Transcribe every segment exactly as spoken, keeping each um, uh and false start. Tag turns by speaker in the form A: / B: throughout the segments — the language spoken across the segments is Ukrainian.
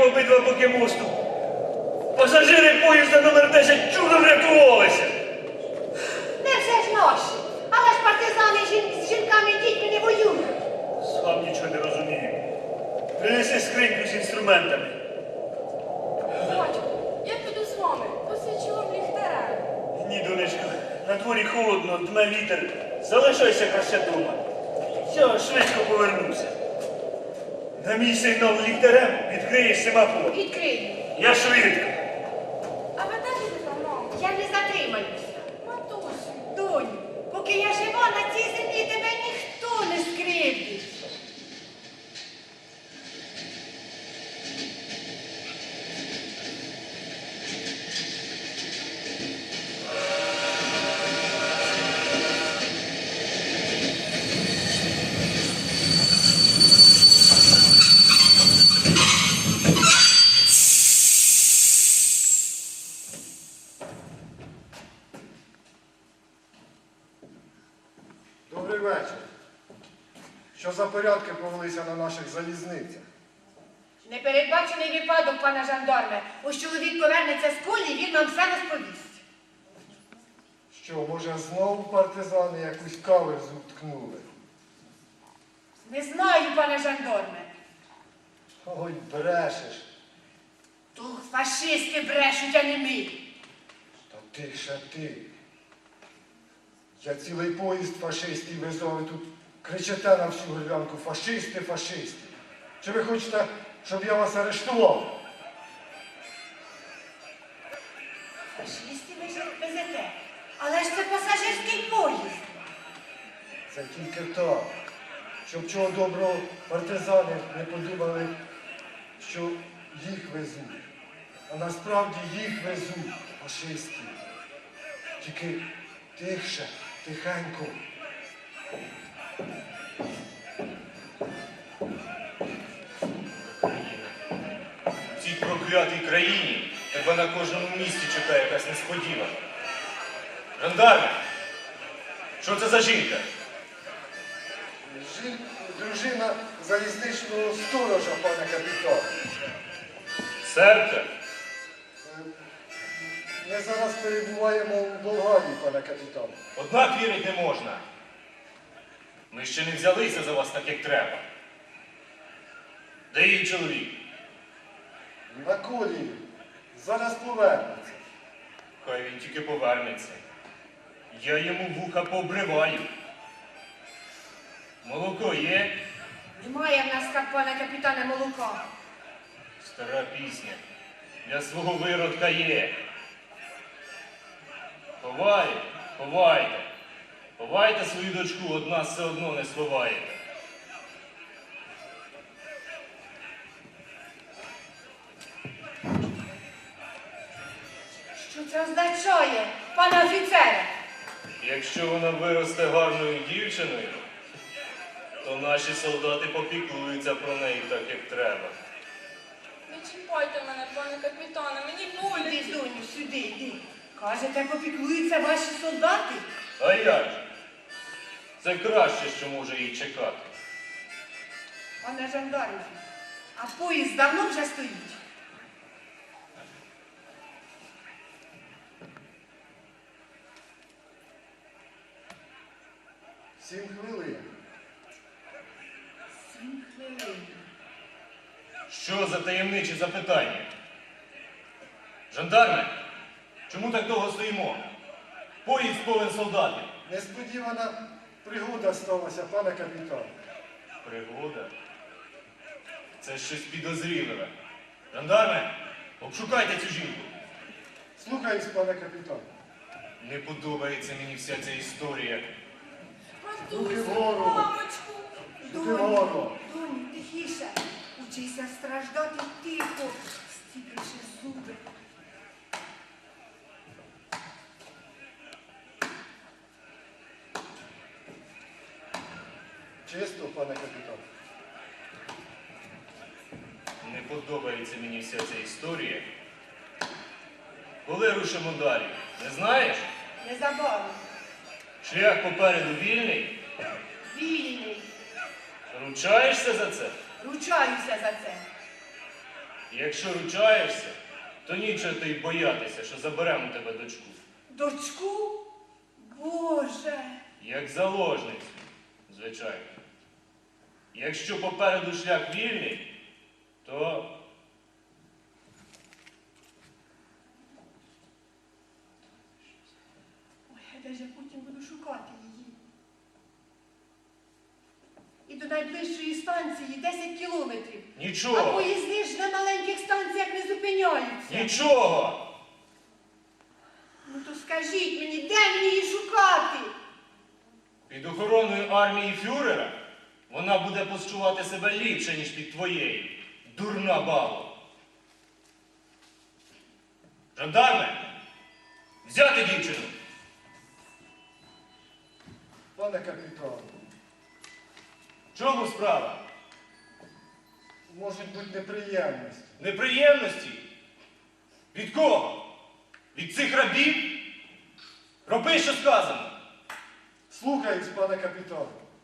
A: обидва боки мосту. Пасажири поїзда номер десять чудом врятувалися.
B: Не все ж наші. Але ж партизани жін... з жінками і дітьми не воюють.
A: Сам нічого не розумію. Принеси скриньку з інструментами.
C: Батько, я піду з вами, посвічу вам ліхтарем.
A: Ні, донечко, на дворі холодно, дме вітер. Залишайся краще дома. Я швидко повернуся. На мій сигнал ліхтарем відкриєш семафор.
B: Відкрию.
A: Я швидко.
C: А ви де будете, мамо?
B: Я не затримаюся.
C: Матусю.
B: Доню, поки я жива, на цій землі тебе ніхто не скривдить.
D: Добрий вечір. Що за порядки повелися на наших залізницях?
B: Непередбачений випадок, пане жандарме. Ось чоловік повернеться з кулі, він нам все розповість.
D: Що, може, знову партизани якусь каверзу ткнули?
B: Не знаю, пане жандарме.
D: Ой, брешеш.
B: То фашисти брешуть, а не ми.
D: Та ти ще ти. Я цілий поїзд фашистів везу, і тут кричите на всю горлянку: фашисти, фашисти. Чи ви хочете, щоб я вас арештував?
B: Фашистів ви ж везете. Але ж це пасажирський поїзд.
D: Це тільки так. Щоб чого доброго партизани не подумали, що їх везуть. А насправді їх везуть фашистів. Тільки тихше, тихенько.
A: В цій проклятій країні тебе на кожному місці чекає якась несподівана. Жандарме, що це за жінка?
D: Жін... Дружина залізничного сторожа, пане капітан.
A: Сербка?
D: Ми зараз перебуваємо у Болгарії, пане капітан.
A: Однак вірить не можна. Ми ще не взялися за вас так, як треба. Де її чоловік?
D: На колії. Зараз повернеться.
A: Хай він тільки повернеться. Я йому вуха пообриваю. Молоко є?
B: Немає в нас, як пане капітане, молока.
A: Стара пісня. Для свого виродка є. Ховайте, ховайте. Ховайте свою дочку, од нас все одно не сховаєте.
B: Що це означає, пане офіцере?
A: Якщо вона виросте гарною дівчиною, то наші солдати попіклуються про неї так, як треба.
C: Не чіпайте мене, пане капітане, мені
B: Іди,
C: боляче.
B: доню, сюди, йди. Кажете, попіклуються ваші солдати?
A: А як же? Це краще, що може їй чекати.
B: Пане жандарме, а поїзд давно вже стоїть?
D: Сім хвилин.
B: Сім хвилин.
A: Що за таємничі запитання? Жандарме, чому так довго стоїмо? Поїзд повен солдатів.
D: Несподівана пригода сталася, пане капітан.
A: Пригода? Це щось підозріливе. Жандарме, обшукайте цю жінку.
D: Слухаюсь, пане капітан.
A: Не подобається мені вся ця історія.
D: Руки
C: Матусю,
D: вгору.
C: мамочку.
D: Руки вгору.
B: Доню, тихіше. Учися страждати тихо. Стіпивши зуби.
D: Чисто, пане капітан.
A: Не подобається мені вся ця історія. Коли рушимо далі? Не знаєш?
B: Незабаром.
A: Шлях попереду вільний?
B: Вільний.
A: Ручаєшся за це?
B: Ручаюся за це.
E: Якщо ручаєшся, то нічого ти й боятися, що заберемо у тебе дочку.
B: Дочку? Боже.
E: Як заложницю, звичайно. Якщо попереду шлях вільний, то
B: Ой, а де ж я потім буду шукати її? І до найближчої станції десять кілометрів. А
E: нічого,
B: поїзди ж на маленьких станціях не зупиняються.
E: нічого.
B: Ну то скажіть мені, де мені її шукати?
E: Під охороною армії фюрера вона буде почувати себе ліпше, ніж під твоєю. Дурна баба. Жандарме, взяти дівчину.
D: Пане капітан,
E: В чому справа?
D: можуть бути неприємності.
E: Неприємності? Від кого? Від цих рабів? Роби, що сказано.
D: Слухаюсь, пане капітан.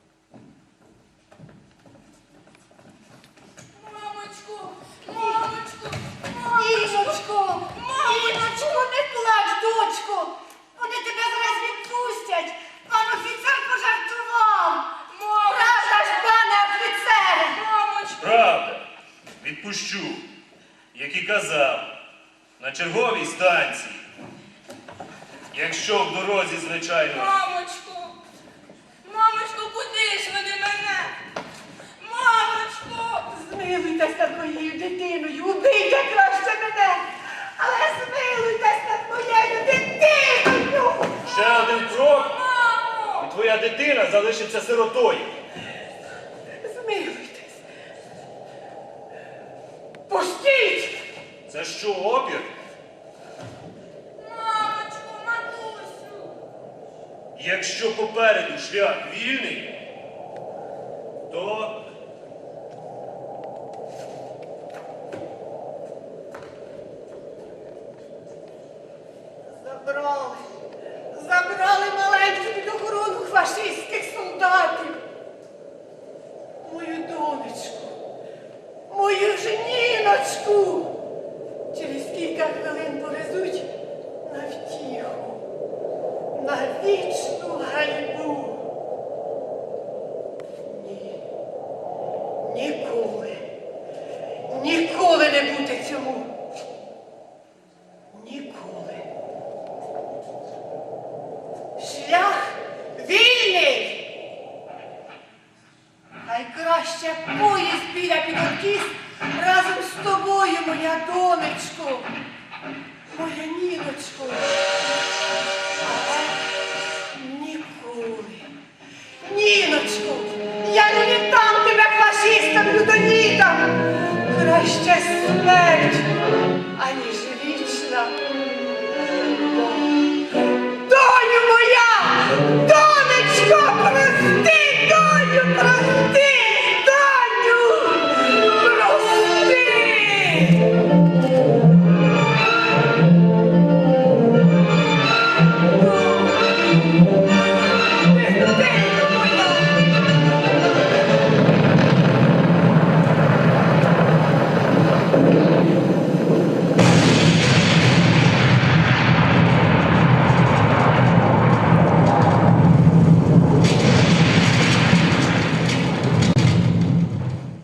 C: Мамочку, мамочку,
B: Іночко!
C: мамочку.
B: Іночко, не плач, дочко! Вони тебе зараз відпустять! Пан офіцер пожартував! Правда ж, пане офіцере!
C: Мамочку.
E: Правда, відпущу, як і казав, на черговій станції. Якщо в дорозі, звичайно.
C: Мамочку. Мамочку, куди ж вони мене? Мамочку.
B: Змилуйтесь над моєю дитиною, убийте краще мене! Але змилуйтесь над моєю дитиною!
E: Ще один крок,
C: Мамо.
E: і твоя дитина залишиться сиротою.
B: Змилуйтесь! Пустіть!
E: Це що, опір?
C: Мамочку, матусю.
E: Якщо попереду шлях вільний, то
B: Забрали! Забрали маленьку під охорону фашистських солдатів! Мою донечку! Мою жіночку! Через кілька хвилин повезуть на втіху, на вічну ганьбу. Ні, ніколи, ніколи не бути цьому. Ніколи. Шлях вільний. Хай краще поїзд біля підокіс разом з тобою, моя донечко, моя Ніночко. Але ніколи. Ніночко, я не віддам тебе фашистам, людоїдам. Краще смерть, аніж вічна. Доню моя! Донечко, прости, доню, прости! Доню! Прости!